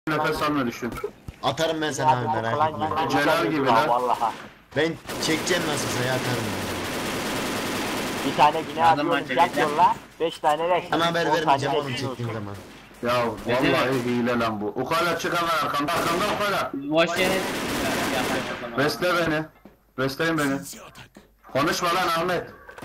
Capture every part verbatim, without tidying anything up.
Nefes alma düşün. Atarım ben sana abi, merak etme. Celal gibi lan. Vallahi. Ben çekeceğim nasılsa ya, atarım ben. Bir tane bina Yardım atıyorum, var, yak yolla. Beş tane de Sana haber on tane vermeyeceğim de oğlum olsun. çektiğim zaman. Ya vallahi hile lan bu. Ukala çık hemen arkanda. Arkanda ukala. Boş yere yapmayın o zaman. Besle beni. Besleyin beni. Konuşma lan Ahmet.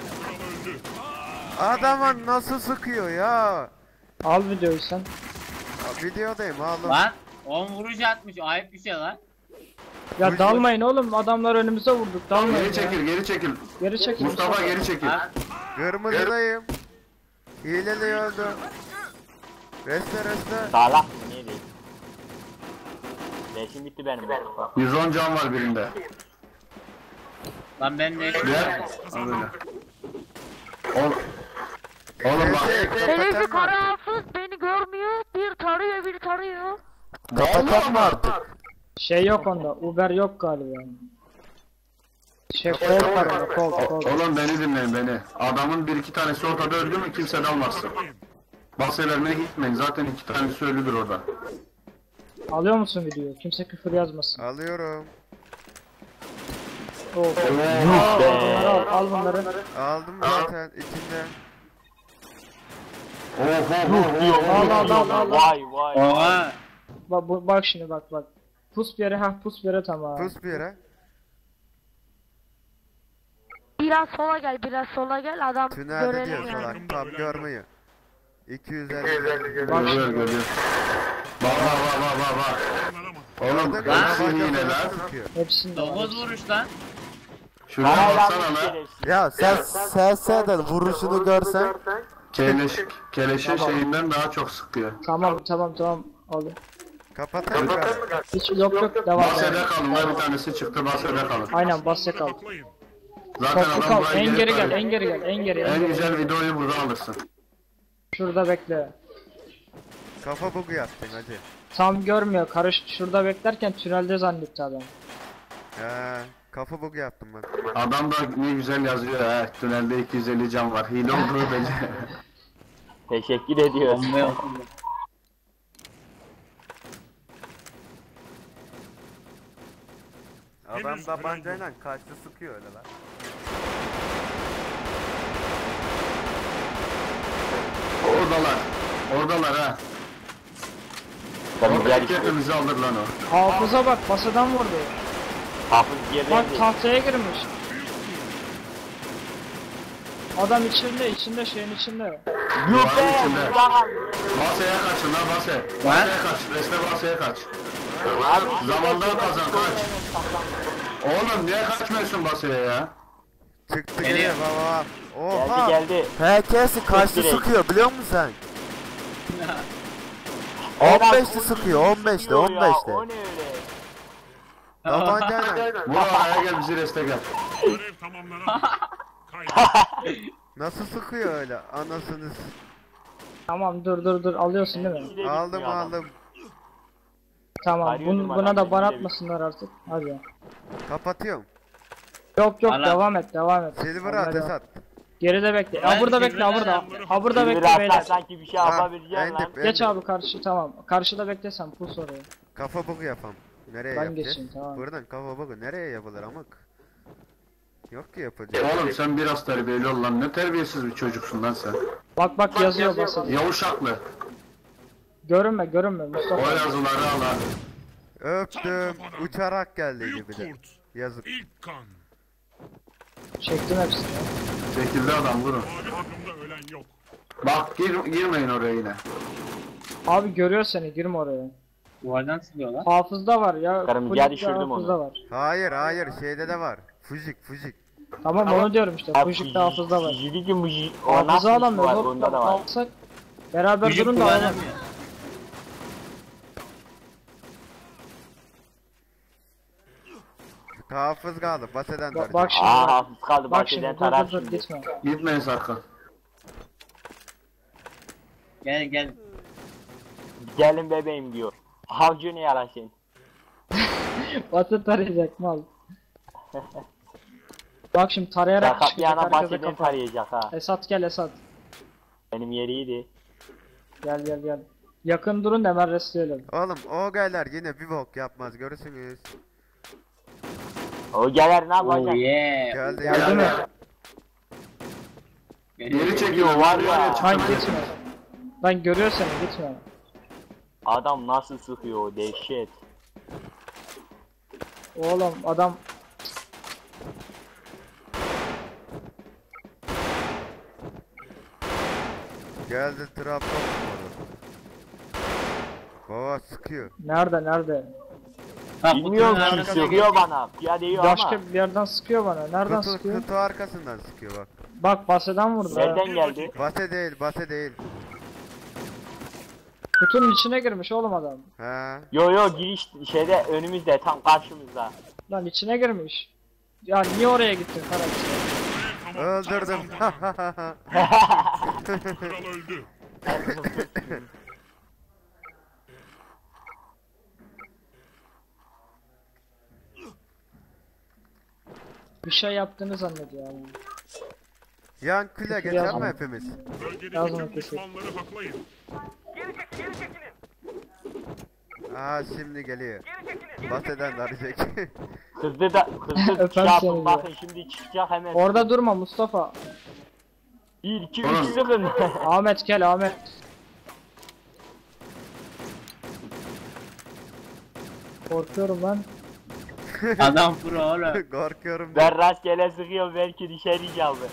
Adamın nasıl sıkıyor ya? Al videoyu sen. Ya videodayım oğlum. Lan on vuruş atmış, ayıp bir şey lan. Ya dalmayın oğlum, adamlar önümüze vurduk, dalmayın Geri ya. çekil, geri çekil. Geri çekil. Mustafa geri çekil. Ha? Kırmızıdayım. Hileli öldü. Reste reste. Sağlak mı neydi? Leşim bitti benim. yüz on can var birinde. Lan ben de Gel. Al böyle. Oğlum. Oğlum bak. Benim bir kara hafız beni görmüyor, bir tarıyor bir tarıyor. Kapatalım mı artık? Şey yok onda, Uber yok galiba. Şey kol var onda, kol kol. Oğlum beni dinleyin beni. Adamın bir iki tanesi ortada öldü mü kimse dalmasın. Bahse vermeye gitmeyin. Zaten iki tanesi ölüdür orada. Alıyor musun videoyu? Kimse küfür yazmasın. Alıyorum. Oo. Aa, bunları al, al bunları. Aldım zaten içinde. Oh oh oh Al al al al. al. Vay vay. Oha. Bak, bu- bak şimdi bak bak. Pus bir yere, ha pus bir yere tamam. Pus bir yere. Biraz sola gel, biraz sola gel, adam Tünelde görelim diyor yani. salak. Tam görmeyi. iki yüz elli. Bak Görüyor şimdi. görüyor. Bak bak bak bak bak bak. Oğlum Gördün mü? hepsi Bak, hile nasıl lan. sıkıyor. Hepsinde var. dokuz vuruş lan. Şuraya Parayla baksana almış lan. şerefsiz. Ya sen seseden vuruşunu görsen. Keleş, keleşin şeyinden daha çok sıkıyor. Tamam tamam tamam. Al. Kapatayım ben. Hiç yok yok devam. Bahsede devam. kalın lan bir tanesi çıktı bahsede kalın. Aynen basya kal. Zaten Toplu adam kal. buraya En geri gel, gelip en geri gel, en geri, en en geri. güzel videoyu burada alırsın. Şurada bekle. Kafa bugu yaptın hacı. Tam görmüyor. Karış şurada beklerken tünelde zannetti adam. He, kafa bugu yaptım ben. Adam da ne güzel yazıyor ha. Tünelde iki yüz elli can var. Hile olduğu belli. Teşekkür ediyoruz. Bomba yok. Adam tabancayla kaçtı sıkıyor öyle lan. Oradalar. Oradalar ha. Tabii Orada diğer iki işte. hepimizi alır lan o. Hafıza bak, basadan vurdu. Hafız Bak yerlendi. tahtaya girmiş. Adam içinde, içinde şeyin içinde. Duvarın içinde. Ulan. Basaya kaçın lan base. Basaya kaç. Reste basaya kaç. Zamandan kazan kaç. Oğlum niye kaçmıyorsun basaya ya? Çıktı Geliyor. geliyor baba. Oha. Geldi geldi. P K'si kaçtı direkt. sıkıyor biliyor musun sen? Adam on beşli sıkıyor on beşli sıkıyor on ya, beşli. O ne öyle? Tabancayla. Vur araya gel bizi reste gel. Nasıl sıkıyor öyle anasını s- Tamam dur dur dur, alıyorsun değil mi? İçine Aldım gitmiyor adam. aldım. Tamam, Arıyordum bun, adam, buna da ban içinde bir- atmasınlar artık. Hadi. Kapatıyorum. Yok yok, Ala. devam et devam et. Silver Onlara at devam. Esat. Geride bekle. Ben Ha burada Silver'den bekle, ha burada. yapıyorum. Ha burada Bir bekle raftan beyler. sanki bir şey Ha, yapabileceksin en lan. dip, en Geç dip. abi karşı, tamam. Karşıda beklesen pus oraya. Kafa bugu yapalım. Nereye Ben yapacağız? geçeyim, tamam. Buradan kafa bugu nereye yapılır amık? Yok ki yapacak. Oğlum sen biraz terbiyeli ol lan. Ne terbiyesiz bir çocuksun lan sen. Bak bak yazıyor basın. Yavuşaklı. Görünme görünme O Mustafa. yazıları al ha. Öptüm. Uçarak geldi gibi de. Kurt, Yazık. ilk kan. Çektim hepsini. Çekildi adam vurun. Mavi takımda ölen yok. Bak gir, girmeyin oraya yine. Abi görüyor seni, girme oraya. Duvardan sıkıyor lan. Hafızda var ya. Karım, kulüpte gel düşürdüm hafızda onu. var. Hayır hayır şeyde de var. Fujik fujik. Tamam onu diyorum işte. Ya, Fujik'te hafızda var. Jiligi muji. O Hafıza nasıl bir şey alamıyor. var? Hop Onda da hop var. alsak. Beraber Çocuk durun da alalım. kullanamıyor. Hafız kaldı. Baseden Bak, var. bak şimdi. Aa bak. hafız kaldı. Bak Bak şimdi, dur tarar dur dur şimdi. gitme. Gitmeyin sakın. Gel gel. Gelin bebeğim diyor. Havcı ne yarasın? Batı tarayacak mal. Bak şimdi tarayarak Sakat çıkacak yana herkese bahseden kafa. tarayacak ha. Esat gel Esat. Benim yeriydi. Gel gel gel. Yakın durun da hemen restleyelim. Oğlum o gaylar yine bir bok yapmaz görürsünüz. O gelir ne Oh yapacak? yeah. Geldi Geldi geldi. mi? Geri çekiyor Var var ya. ya. Lan çıkamadı. gitme. Lan görüyor seni gitme. Adam nasıl sıkıyor o dehşet. Oğlum adam Geldi Trabzon orada. Baba sıkıyor. nerede nerede? Ha, Bilmiyorum kutunun ki arkasına sıkıyor geçecek. bana. Piyade yiyor Başka ama. bir yerden sıkıyor bana. Nereden Kutu, sıkıyor? kutu arkasından sıkıyor bak. Bak baseden vurdu. ha. Nereden geldi? Base değil base değil. Kutunun içine girmiş oğlum adam. He. Yo yo giriş şeyde önümüzde tam karşımızda. Lan içine girmiş. Ya niye oraya gittin karakter? Öldürdüm. Kral öldü. Bir şey yaptığını zannediyor yani. Yan kule Kutu geçer mi yazma. hepimiz? Bölgedeki Yazma tüm kesin. düşmanları haklayın. Aa şimdi geliyor. Baseden arayacak. Hızlı da hızlı Öpem şey yapın seni bakın şimdi çıkacak hemen. Orada durma Mustafa. Bir iki üç sıkın. Ahmet gel Ahmet. Korkuyorum lan. Adam pro oğlum. Korkuyorum. Ben rastgele sıkıyorum belki dışarı çaldı.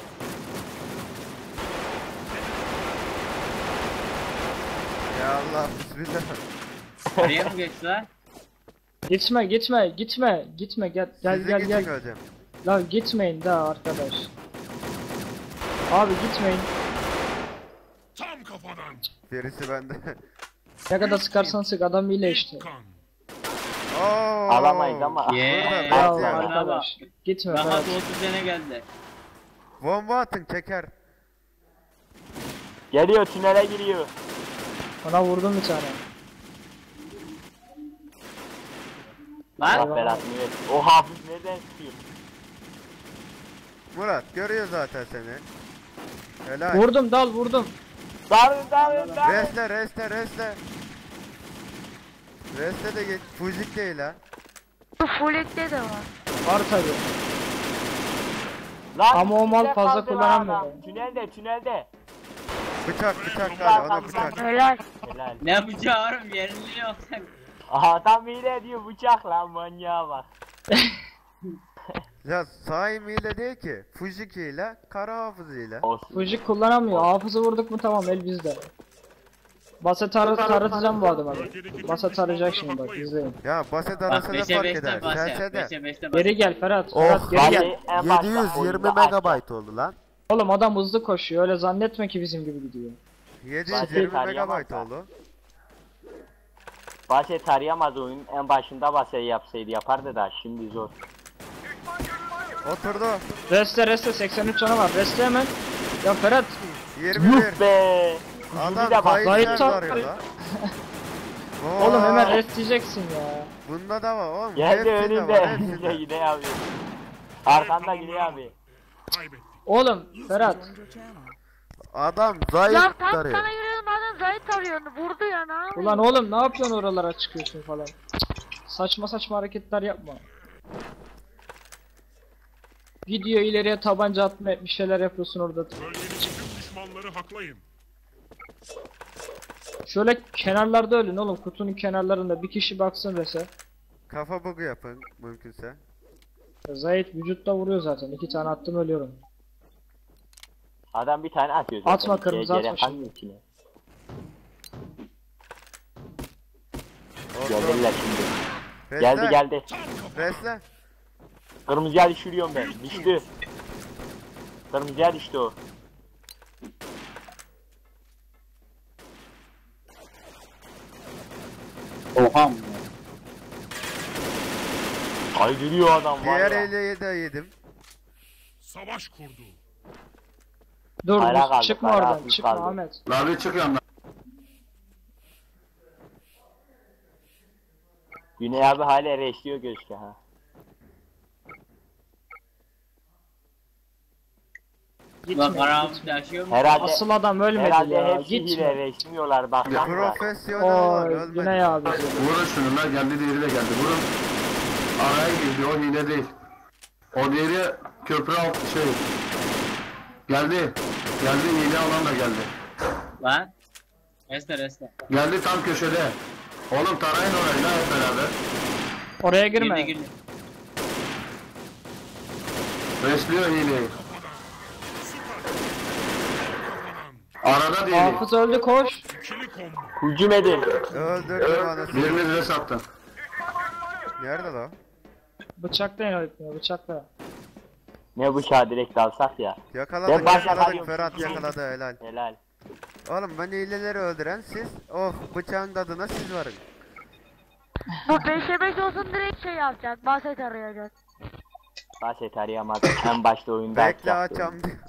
Ya Allah bismillah. Nereye mi geçti lan? Gitme gitme gitme gitme gel gel Sizi gel geçin gel. hocam. Lan gitmeyin daha arkadaş. Abi gitmeyin. Tam kafadan. Birisi bende. Ne kadar sıkarsan sık adam ile işte. Kan. Oo. Alamayız ama. Yeah. Burada Ya bekle. Bravo. arkadaş. Gitme Rahat Ferhat. otuz sene geldi. Bomba atın çeker. Geliyor tünele giriyor. Ona vurdum bir tane. Lan Allah belasını versin. O hafif nereden sıkıyor? Murat görüyor zaten seni. Helal. Vurdum dal vurdum. Darın darın darın. Resle resle resle. Resle de geç. Fuzik değil ha. Bu Fullek'te de var. Var tabi. Lan Ama o mal tünelde fazla kaldı lan kullanamıyor. adam. Tünelde tünelde. Bıçak bıçak hadi ona bıçak. Helal. Helal. ne yapacağı oğlum yerinde yok. Adam hile diyor bıçak lan manyağa bak. Ya Saim ile değil ki. Fujiki ile kara hafızıyla. Olsun. Fujik kullanamıyor. Hafızı vurduk mu tamam el bizde. Basa tar taratacağım bu adamı. Basa tarayacak şimdi bak izleyin. Ya baset Bak arasa da beşe fark beşte eder. bas ya. Selse de. beşe beşte bas. Geri gel Ferhat. Oh, Ferhat geri gel. Vallahi en başta yedi yüz yirmi oyunda açtım. megabayt oldu lan. Oğlum adam hızlı koşuyor. Öyle zannetme ki bizim gibi gidiyor. yedi yüz Basit yirmi arayamaz megabayt da. oldu. Bahçe tarayamaz oyun. En başında bahçe yapsaydı yapardı da şimdi zor. Oturdu. Reste reste seksen üç canı var. Reste hemen. Ya Ferhat. yirmi Yuh bir. be. Adam Bir de bak. zayıf zayıf yer tam- arıyor lan. Oğlum Oo, hemen rest diyeceksin ya. Bunda da var oğlum. Geldi hepsinde önünde. var, Önünde hepsinde. yine abi. Arkanda gidiyor abi. Kaybettik. Oğlum Ferhat. Adam Ya zayıf tam tarıyor. sana yürüyorum adam zayıf arıyordu. Vurdu ya ne yapayım? Ulan oğlum ne yapıyorsun oralara çıkıyorsun falan. Saçma saçma hareketler yapma. Gidiyor ileriye tabanca atma bir şeyler yapıyorsun orada. Bölgedeki tüm düşmanları haklayın. Şöyle kenarlarda ölün oğlum kutunun kenarlarında bir kişi baksın rese. Kafa bugu yapın mümkünse. Zayit vücutta vuruyor zaten. İki tane attım ölüyorum. Adam bir tane atıyor zaten. Atma kırmızı, G- atma G- şimdi. içine. Oldu. Geldiler şimdi. Resle. Geldi geldi. Resle. Kırmızıya düşürüyorum ben. Düştü. Kırmızıya düştü o. Oha mı? Kaydırıyor adam var Diğer ya. ele de yedim. Savaş kurdu. Dur Hala dur, kaldı, çıkma hala oradan hafif çıkma kaldı. Ahmet. Lan bir çık yandan. Güney abi hala reşliyor gözüküyor ha. Gitmiyor. Karavut gitmiyor. yaşıyor mu? Herhalde Asıl adam ölmedi herhalde ya. hepsi hile Gitmiyor. resmiyorlar bak. bak, bak. Profesyonel Oy ölmedi. Güney abi. Vurun şunu lan, geldi diğeri de geldi. Vurun. Araya girdi, o hile değil. O diğeri köprü alt şey. Geldi. Geldi, hile alan da geldi. Lan. Reste reste. Geldi tam köşede. Oğlum tarayın orayı lan hep beraber. Oraya Girdi girme. girdi. Resliyor hileyi. Kafadan. Arada diğeri. Hafız öldü koş. İkili combo. Hücum edin. Öldürdüm anasını. Biriniz res attın. Nerede lan? Bıçaklayın öğretmeni bıçakla. Ne bıçağı direkt alsak ya. Yakaladık Ben başa yakaladık. kalıyorum. Ferhat yakaladı helal. Helal. Oğlum ben hileleri öldüren siz. Oh bıçağın tadına siz varın. Bu beşe beş olsun direkt şey yapacak. Baset arayacak. Baset arayamaz. En başta oyunda Bekle atacaktı. açam diyor.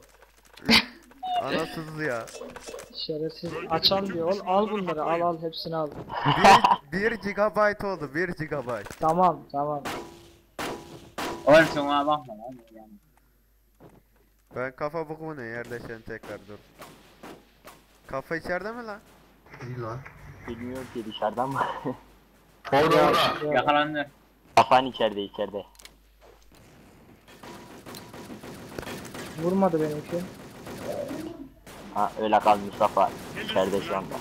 Anasız ya. Şerefsiz. Açan diyor. Ol, al bunları al al hepsini al. bir gigabayt oldu bir gigabayt. Tamam tamam. Oğlum sen ona bakma lan. Yani. Ben kafa buku ne yerleşen tekrar dur. Kafa içeride mi lan? İyi lan. Bilmiyorum ki dışarıdan mı? Orada orada. Yakalandı. Kafan içeride içeride. Vurmadı benimki. Ha öyle kal Mustafa. İçeride şu anda.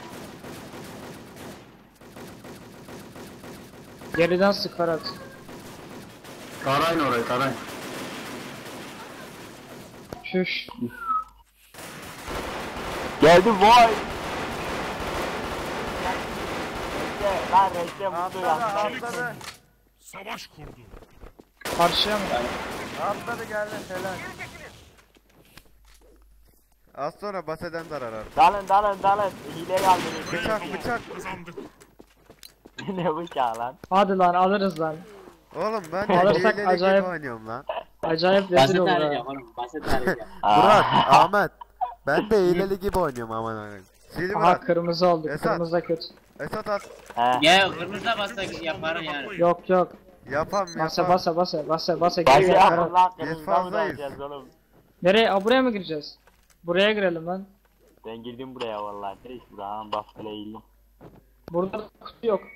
Geriden sık Ferhat. Tarayın orayı, tarayın. Şuş. Geldi vay. Reçte lan reçte mutlu ya. Atladı. Savaş kurdu. Karşıya mı? Atladı geldi helal. Az sonra baseden zarar artık. Dalın dalın dalın. Hileyi aldınız. Bıçak bıçak. Kazandık. Ne bıçağı lan? Hadi lan alırız lan. Oğlum ben de Alırsak hilelik acayip- gibi oynuyorum lan. Acayip rezil Basit olur ha. arayacak oğlum. Basit arayacak. Burak, Ahmet. Ben de hileli gibi oynuyorum aman aman. Silver Aha at. kırmızı oldu. Esat. Kırmızı da kötü. Esat at. He. Ya kırmızıda bassak yaparız yani. Yok yok. Yapam Basa yapam. basa basa basa basa Bak gel ya gel Ferhat. lan Biz kırmızıdan mı fazlayız. dalacağız oğlum? Nereye? Aa, buraya mı gireceğiz? Buraya girelim lan. Ben girdim buraya vallahi. Reis buradan bak böyle eğildim. Burada kutu yok.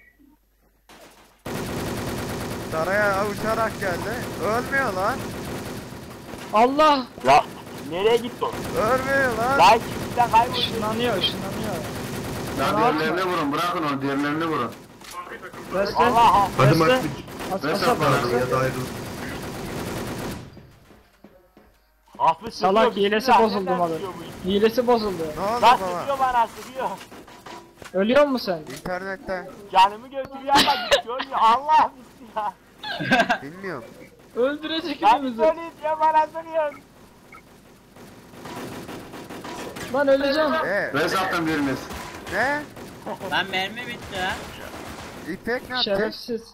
Saraya uçarak geldi. Ölmüyor lan. Allah! Ya nereye gitti o? Ölmüyor lan. Lan kimden kayboldu? Işınlanıyor ışınlanıyor. Ya Ne diğerlerini yapma? vurun, bırakın onu, diğerlerini vurun. Reste. Allah Reste. As Res as at bana. as. Hafız Salak sıkıyor, hilesi bismillah, bozuldu nereden malı. sıkıyor bu iş? Hilesi bozuldu. Ne oldu Lan baba? sıkıyor bana sıkıyor. Ölüyor musun sen? İnternette. Canımı götürüyor ama gidiyor ya. Allah bismillah. Bilmiyorum. Öldürecek Lan hepimizi. söyleyeceğim bana sıkıyor. Lan öleceğim. Ee, Res attın biriniz. ne? Lan mermi bitti ha. İpek ne yaptı? Şerefsiz.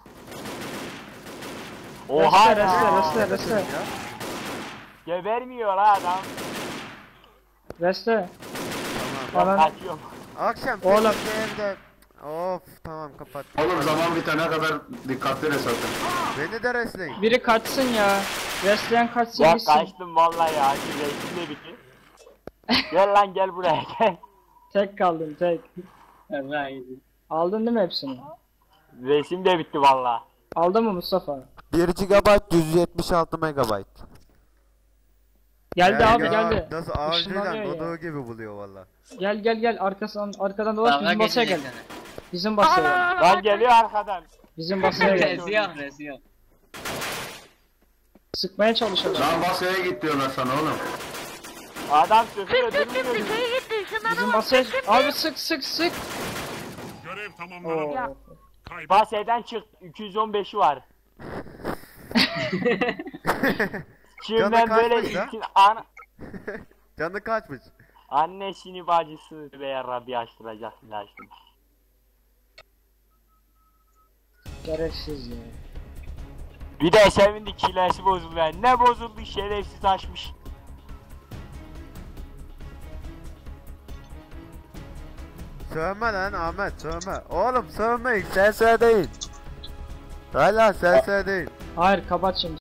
Oha Reste reste ya. reste reste. Ya. Gebermiyor ha adam. Reste. Ben Anan. kaçıyorum. Akşam Oğlum. sekiz evde. Of tamam kapat. Oğlum zaman bitene kadar dikkatli res atın. Beni de resleyin. Biri kaçsın ya. Restleyen kaçsın Ya gitsin. kaçtım vallahi ya. Şimdi reisim de bitti. Gel lan gel buraya gel. Tek kaldın tek. Allah iyiydi. Aldın değil mi hepsini? Reisim de bitti vallahi. Aldın mı Mustafa? bir gigabayt yüz yetmiş altı megabayt. Geldi Ya, abi ya, geldi. Nasıl ağacıyla Işınlanıyor ya. doduğu gibi buluyor valla. Gel gel gel arkasından arkadan dolaş Dalga bizim basaya gel. geçecek sana. Bizim basaya gel. Lan geliyor arkadan. Bizim basaya gel. Resi yok resi yok. Sıkmaya çalışalım. Lan basaya git diyorlar sana oğlum. Adam sıkıyor Tık tık tık durmuyor. dışarı gitti. Bizim Işınlanamaz. basaya abi sık sık sık. Görev Oo. tamamlandı. Kaybet. Baseden çık iki yüz on beşi var. Şimdiden böyle kaçmış ha? için an Canı kaçmış. annesini bacısı veya Rabbi açtıracak açtım. Şerefsiz ya. Bir de sevindi kilesi bozuldu yani. Ne bozuldu şerefsiz açmış. Sövme lan Ahmet sövme. Oğlum sövmeyin sen söyleyin. Hala sen söyleyin. Hayır kapat şimdi.